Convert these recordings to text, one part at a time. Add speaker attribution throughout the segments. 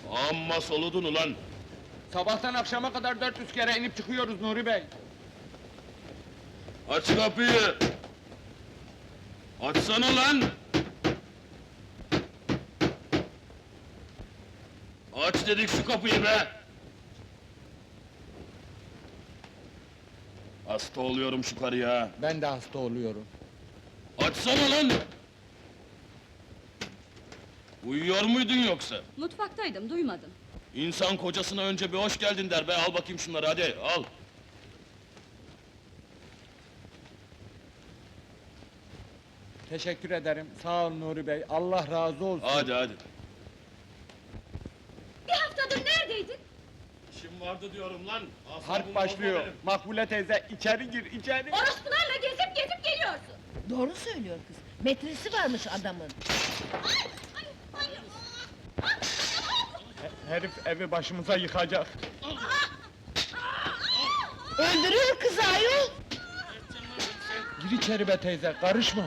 Speaker 1: Amma soludun ulan!
Speaker 2: Sabahtan akşama kadar 400 kere inip çıkıyoruz Nuri Bey.
Speaker 1: Aç kapıyı! Açsana lan! Aç dedik şu kapıyı be! Hasta oluyorum şu karıya!
Speaker 2: Ben de hasta oluyorum.
Speaker 1: Açsana lan! Uyuyor muydun yoksa?
Speaker 3: Mutfaktaydım, duymadım.
Speaker 1: İnsan kocasına önce bir hoş geldin der be, al bakayım şunları hadi, al!
Speaker 2: Teşekkür ederim, sağ ol Nuri Bey, Allah razı olsun.
Speaker 1: Hadi hadi!
Speaker 3: Bir haftadır neredeydin?
Speaker 1: İşim vardı diyorum lan! Asabımı
Speaker 2: Harp başlıyor,
Speaker 1: bozma benim.
Speaker 2: Makbule teyze, içeri gir, içeri!
Speaker 3: Orospularla gezip geliyorsun!
Speaker 4: Doğru söylüyor kız. Metresi varmış adamın.
Speaker 2: Herif evi başımıza yıkacak.
Speaker 4: Öldürüyor kızı ayol!
Speaker 2: Gir içeri be teyze, karışma!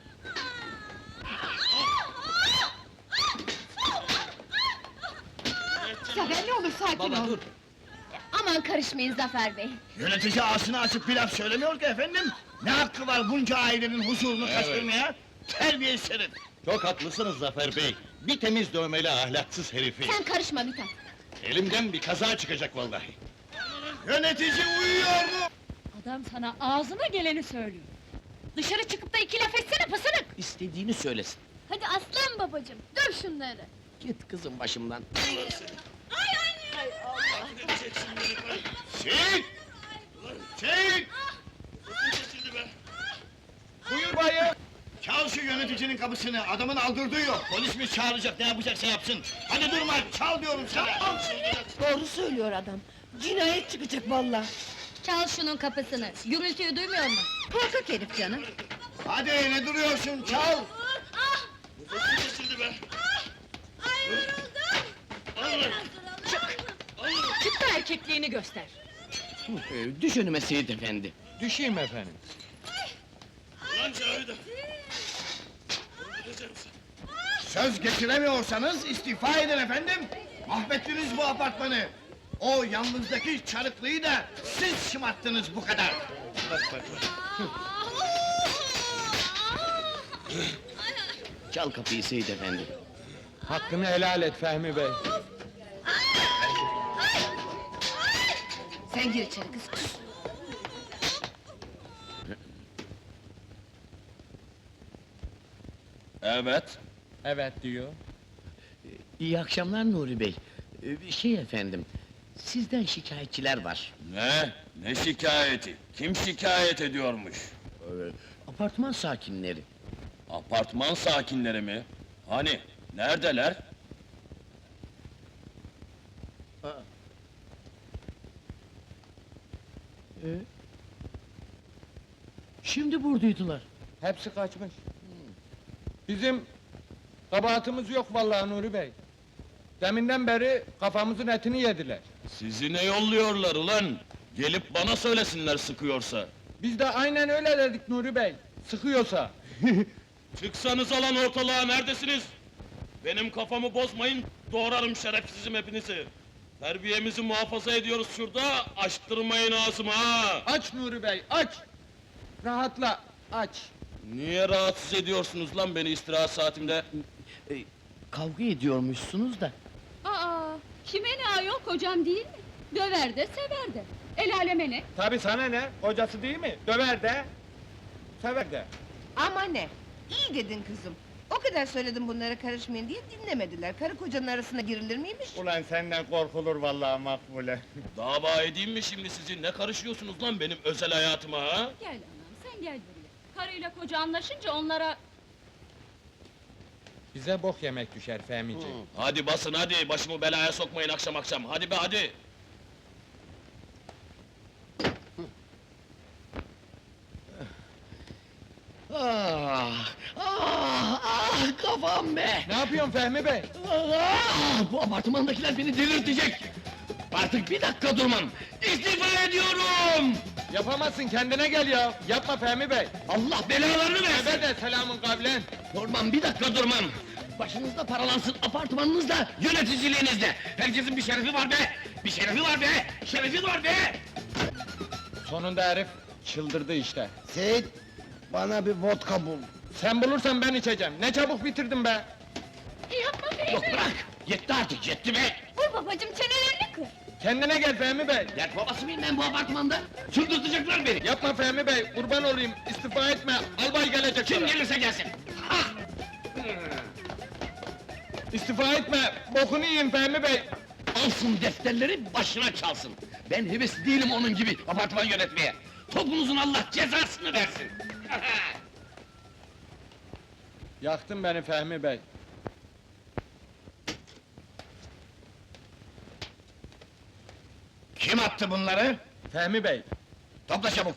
Speaker 3: Zafer ne olur sakin
Speaker 5: Baba dur!
Speaker 3: Aman karışmayın Zafer Bey!
Speaker 5: Yönetici ağzını açıp bir laf söylemiyor ki efendim! Ne hakkı var bunca ailenin huzurunu kaçırmaya? Terbiyesiz herif!
Speaker 6: Çok haklısınız Zafer Bey. Bir temiz dövmeli ahlaksız herifi.
Speaker 3: Sen karışma Mithat!
Speaker 6: Elimden bir kaza çıkacak vallahi.
Speaker 5: Yönetici uyuyor mu?
Speaker 3: Adam sana ağzına geleni söylüyor! Dışarı çıkıp da iki laf etsene pısırık!
Speaker 7: İstediğini söylesin.
Speaker 3: Hadi aslan babacığım, döv şunları!
Speaker 7: Git kızım başımdan.
Speaker 5: Çek! Çek!
Speaker 2: Buyur bayım!
Speaker 5: Çal şu yöneticinin kapısını, adamın aldırdığı yok! Polis mi çağıracak, ne yapacaksa yapsın! Hadi durma, çal diyorum sana!
Speaker 4: Doğru söylüyor adam. Cinayet çıkacak vallahi.
Speaker 3: Çal şunun kapısını, gürültüyü duymuyor mu? Korkak herif canım!
Speaker 5: Hadi ne duruyorsun, çal!
Speaker 3: Çık da erkekliğini göster!
Speaker 7: Düş önüme Seyit efendi.
Speaker 2: Düşeyim efendim.
Speaker 1: Lan Cavide!
Speaker 5: Söz getiremiyorsanız istifa edin efendim! Mahvettiniz bu apartmanı! O yalnızdaki çarıklıyı da siz şımarttınız bu kadar!
Speaker 7: Çal kapıyı Seyit efendi.
Speaker 2: Hakkını helal et Fehmi Bey.
Speaker 4: Sen gir içeri kız. Kus.
Speaker 1: Evet!
Speaker 2: Evet diyor.
Speaker 7: İyi akşamlar Nuri Bey. Şey efendim, sizden şikayetçiler var.
Speaker 1: Ne? Ne şikayeti? Kim şikayet ediyormuş?
Speaker 7: Apartman sakinleri.
Speaker 1: Apartman sakinleri mi? Hani? Neredeler?
Speaker 7: Şimdi buradaydılar.
Speaker 2: Hepsi kaçmış. Bizim kabahatimiz yok vallahi Nuri Bey. Deminden beri kafamızın etini yediler.
Speaker 1: Sizi ne yolluyorlar ulan? Gelip bana söylesinler sıkıyorsa.
Speaker 2: Biz de aynen öyle dedik Nuri Bey. Sıkıyorsa.
Speaker 1: Çıksanız lan ortalığa, neredesiniz? Benim kafamı bozmayın, doğrarım şerefsizim hepinizi! Terbiyemizi muhafaza ediyoruz şurada, açtırmayın ağzımı ha!
Speaker 2: Aç Nuri Bey, aç! Rahatla, aç!
Speaker 1: Niye rahatsız ediyorsunuz lan beni istirahat saatimde?
Speaker 7: Kavga ediyormuşsunuz da.
Speaker 3: Aa, kime ne ayol, kocam değil mi? Döver de, sever de! El aleme ne?
Speaker 2: Tabii sana ne? Kocası değil mi? Döver de, sever de.
Speaker 4: Ama ne? İyi dedin kızım. O kadar söyledim bunlara karışmayın diye dinlemediler. Karı kocanın arasına girilir miymiş?
Speaker 2: Ulan senden korkulur vallahi Makbule.
Speaker 1: Dava edeyim mi şimdi sizi? Ne karışıyorsunuz lan benim özel hayatıma ha?
Speaker 3: Gel anam, sen gel buraya! Karıyla koca anlaşınca onlara...
Speaker 2: Bize bok yemek düşer Fehmici.
Speaker 1: Hadi basın hadi, başımı belaya sokmayın akşam akşam, hadi be hadi!
Speaker 7: Kafam be!
Speaker 2: Ne yapıyorsun Fehmi Bey?
Speaker 7: Bu apartmandakiler beni delirtecek! Artık bir dakika durmam! İstifa ediyorum!
Speaker 2: Yapamazsın, kendine gel ya! Yapma Fehmi Bey!
Speaker 7: Allah belalarını versin!
Speaker 2: Ebe de selamın kavlen!
Speaker 7: Durmam, bir dakika durmam! Başınızda paralansın, apartmanınızda, yöneticiliğinizde! Herkesin bir şerefi var be! Bir şerefi var be! Şerefi var be!
Speaker 2: Sonunda herif çıldırdı işte.
Speaker 8: Seyit, bana bir vodka bul.
Speaker 2: Sen bulursan ben içeceğim. Ne çabuk bitirdin be!
Speaker 3: Yapma Fehmi!
Speaker 7: Yok bırak! Yetti artık, yetti be!
Speaker 3: Vur babacığım, çenelerini kır!
Speaker 2: Kendine gel Fehmi Bey!
Speaker 7: Dert babası mıyım ben bu apartmanda? Çıldırtacaklar beni!
Speaker 2: Yapma Fehmi Bey, kurban olayım, istifa etme, albay gelecek
Speaker 7: Kim
Speaker 2: sana.
Speaker 7: gelirse gelsin! Ha!
Speaker 2: İstifa etme, bokunu yiyin Fehmi Bey!
Speaker 7: Alsın defterleri, başına çalsın! Ben hevesli değilim onun gibi apartman yönetmeye! Topunuzun Allah cezasını versin!
Speaker 2: Yaktın beni Fehmi Bey.
Speaker 5: Kim attı bunları?
Speaker 2: Fehmi Bey,
Speaker 5: Topla çabuk.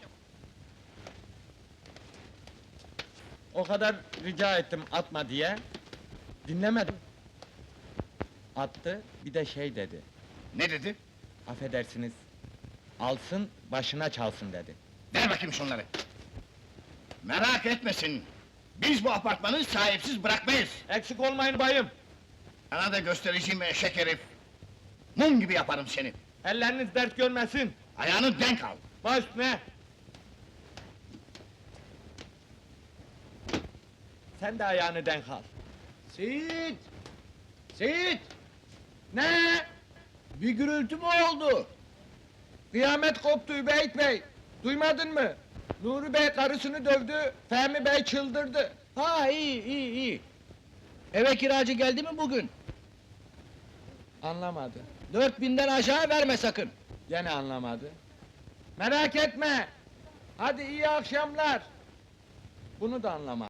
Speaker 2: o kadar rica ettim atma diye. Dinlemedim. Attı, bir de şey dedi.
Speaker 5: Ne dedi?
Speaker 2: Affedersiniz, alsın, başına çalsın dedi.
Speaker 5: Ver bakayım şunları. Merak etmesin. Biz bu apartmanı sahipsiz bırakmayız.
Speaker 2: Eksik olmayın bayım.
Speaker 5: Sana da göstereceğim eşek herif. Mum gibi yaparım seni.
Speaker 2: Elleriniz dert görmesin.
Speaker 5: Ayağını denk al.
Speaker 2: Baş ne? Sen de ayağını denk al.
Speaker 8: Seyit! Seyit!
Speaker 2: Ne?
Speaker 8: Bir gürültü mü oldu?
Speaker 2: Kıyamet koptu Übeyt Bey. Duymadın mı? Nuri Bey karısını dövdü, Fehmi Bey çıldırdı.
Speaker 8: Ha iyi. Eve kiracı geldi mi bugün?
Speaker 2: Anlamadı.
Speaker 8: 4000'den aşağı verme sakın.
Speaker 2: Gene anlamadı. Merak etme. Hadi iyi akşamlar. Bunu da anlamadı.